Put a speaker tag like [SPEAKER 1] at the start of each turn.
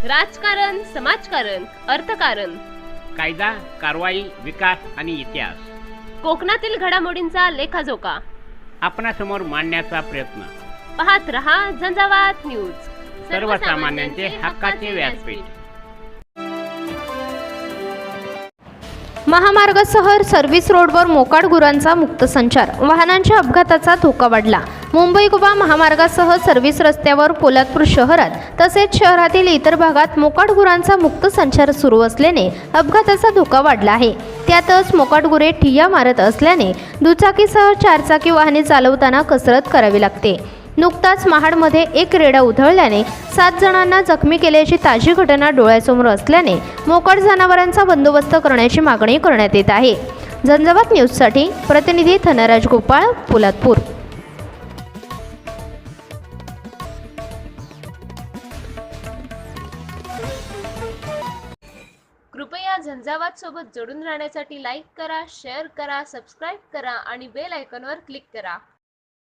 [SPEAKER 1] राजकारण, समाजकारण, अर्थकारण,
[SPEAKER 2] कायदा, कारवाई, विकास आणि इतिहास
[SPEAKER 1] कोकणातील घडामोडींचा लेखाजोखा
[SPEAKER 2] आपणासमोर मांडण्याचा प्रयत्न.
[SPEAKER 1] पाहत रहा झंझावात न्यूज,
[SPEAKER 2] सर्वसामान्यांचे हक्काचे व्यासपीठ.
[SPEAKER 3] महामार्गासह सर्व्हिस रोडवर मोकाट गुरांचा मुक्त संचार, वाहनांच्या अपघाताचा धोका वाढला. मुंबई गोवा महामार्गासह सर्व्हिस रस्त्यावर पोलादपूर शहरात तसेच शहरातील इतर भागात मोकाट गुरांचा मुक्त संचार सुरू असल्याने अपघाताचा धोका वाढला आहे. त्यातच मोकाट गुरे ठिय्या मारत असल्याने दुचाकीसह चारचाकी वाहने चालवताना कसरत करावी लागते. नुकताच महाडमध्ये एक रेडा उधळल्याने 7 जणांना जखमी केल्याची ताजी घटना डोळ्यासमोर असल्याने मोकाट जनावरांचा बंदोबस्त करण्याची मागणी करण्यात येत आहे. झंझावात न्यूजसाठी प्रतिनिधी धनराज गोपाळ, पोलादपूर.
[SPEAKER 1] कृपया झंझावात सोबत जोडून राहण्यासाठी लाईक करा, शेअर करा, सबस्क्राईब करा आणि बेल आयकॉनवर क्लिक करा.